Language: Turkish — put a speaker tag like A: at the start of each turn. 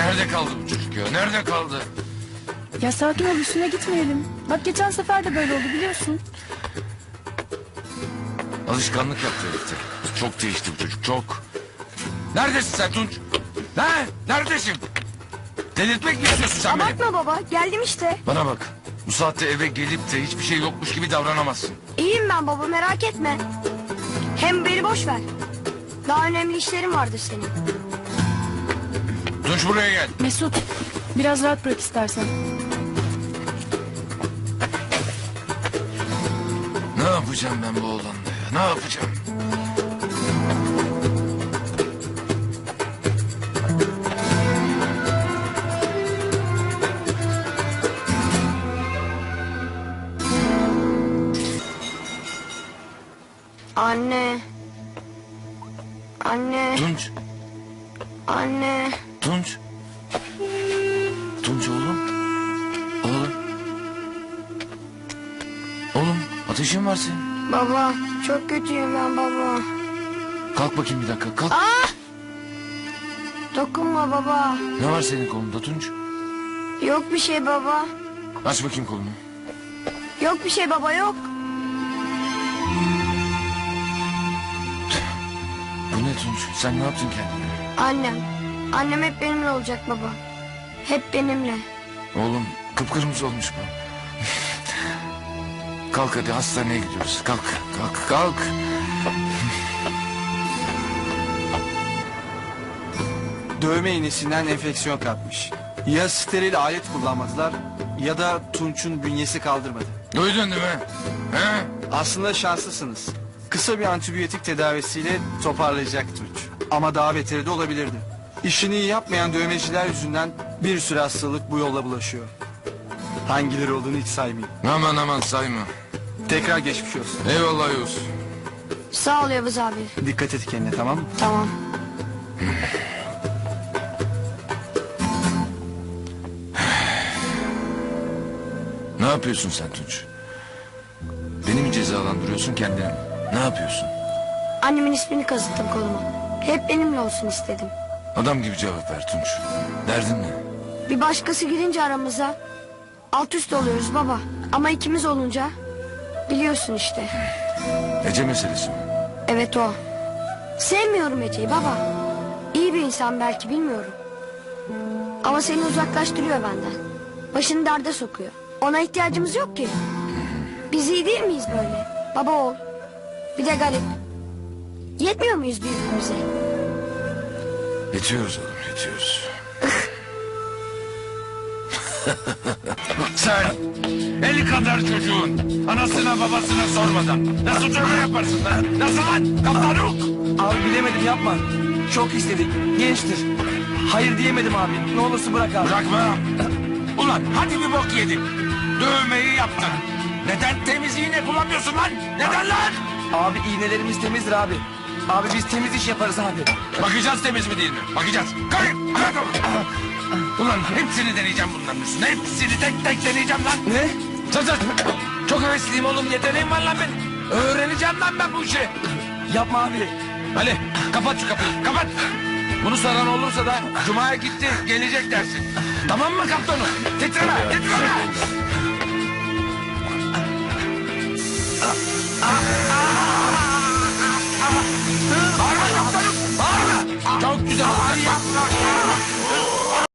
A: Nerede kaldı bu çocuk ya? Nerede kaldı?
B: Ya sakin ol, üstüne gitmeyelim. Bak geçen sefer de böyle oldu biliyorsun.
A: Alışkanlık yaptı herifte. Çok değişti bu çocuk, çok. Neredesin sen Tunç? Ne? Neredesin? Delirtmek mi istiyorsun sen beni?
C: Abartma baba, geldim işte.
A: Bana bak. Bu saatte eve gelip de hiçbir şey yokmuş gibi davranamazsın.
C: İyiyim ben baba, merak etme. Hem beni boş ver. Daha önemli işlerin vardır senin.
A: Tunç buraya gel.
B: Mesut, biraz rahat bırak istersen.
A: Ne yapacağım ben bu oğlanla ya? Ne yapacağım?
C: Anne. Anne.
A: Tunç.
C: Anne.
A: Tunç. Tunç oğlum. Oğlum. Oğlum ateşin var senin.
C: Baba, çok kötüyüm ben baba.
A: Kalk bakayım bir dakika kalk.
C: Dokunma baba.
A: Ne var senin kolunda Tunç?
C: Yok bir şey baba.
A: Aç bakayım kolunu.
C: Yok bir şey baba, yok.
A: Bu ne Tunç? Sen ne yaptın kendine?
C: Annem. Annem hep benimle olacak baba. Hep benimle.
A: Oğlum kıpkırmızı olmuş bu. Kalk hadi hastaneye gidiyoruz. Kalk kalk kalk.
D: Dövme iğnesinden enfeksiyon kapmış. Ya steril alet kullanmadılar ya da Tunç'un bünyesi kaldırmadı.
A: Duydun değil mi? He?
D: Aslında şanslısınız. Kısa bir antibiyotik tedavisiyle toparlayacak Tunç. Ama daha beteri de olabilirdi. İşini iyi yapmayan dövmeciler yüzünden bir sürü hastalık bu yolla bulaşıyor. Hangileri olduğunu hiç saymayayım.
A: Aman aman sayma.
D: Tekrar geçmiş olsun.
A: Eyvallah Yavuz.
C: Sağ ol Yavuz abi.
D: Dikkat et kendine, tamam mı?
C: Tamam.
A: Ne yapıyorsun sen Tunç? Beni mi cezalandırıyorsun kendini mi? Ne yapıyorsun?
C: Annemin ismini kazıttım koluma. Hep benimle olsun istedim.
A: Adam gibi cevap ver Tunç. Derdin ne?
C: Bir başkası girince aramıza alt üst oluyoruz baba. Ama ikimiz olunca biliyorsun işte.
A: Ece meselesi mi?
C: Evet o. Sevmiyorum Ece'yi baba. İyi bir insan belki, bilmiyorum. Ama seni uzaklaştırıyor benden. Başını derde sokuyor. Ona ihtiyacımız yok ki. Biz iyi değil miyiz böyle? Baba oğul. Bir de garip. Yetmiyor muyuz birbirimize?
A: Yetiyoruz oğlum yetiyoruz. Sen 50 kadar çocuğun anasına babasına sormadan nasıl dövme yaparsın lan? Nasıl lan? Kaptanuk!
E: Abi bilemedim, yapma. Çok istedik. Gençtir. Hayır diyemedim abi. Ne olursa bırak abi.
A: Bırakma. Ulan hadi bir bok yedin. Dövmeyi yaptın. Neden temiz iğne kullanmıyorsun lan? Neden lan?
E: Abi iğnelerimiz temizdir abi. Abi biz temiz iş yaparız abi.
A: Bakacağız temiz mi değil mi? Bakacağız. Kayın. Ulan hepsini deneyeceğim bunların üstüne. Hepsini tek tek deneyeceğim lan.
E: Ne?
A: Sus. Çok hevesliyim oğlum. Yeteneğim var lan benim. Öğreneceğim lan ben bu işi.
E: Yapma abi.
A: Ali kapat şu kapıyı. Kapat. Bunu soran olursa da Cuma'ya gitti gelecek dersin. Tamam mı kaptanım? Titreme. Titreme. Bağırma kaptanım. Bağırma. Çok güzel. Hadi yapma.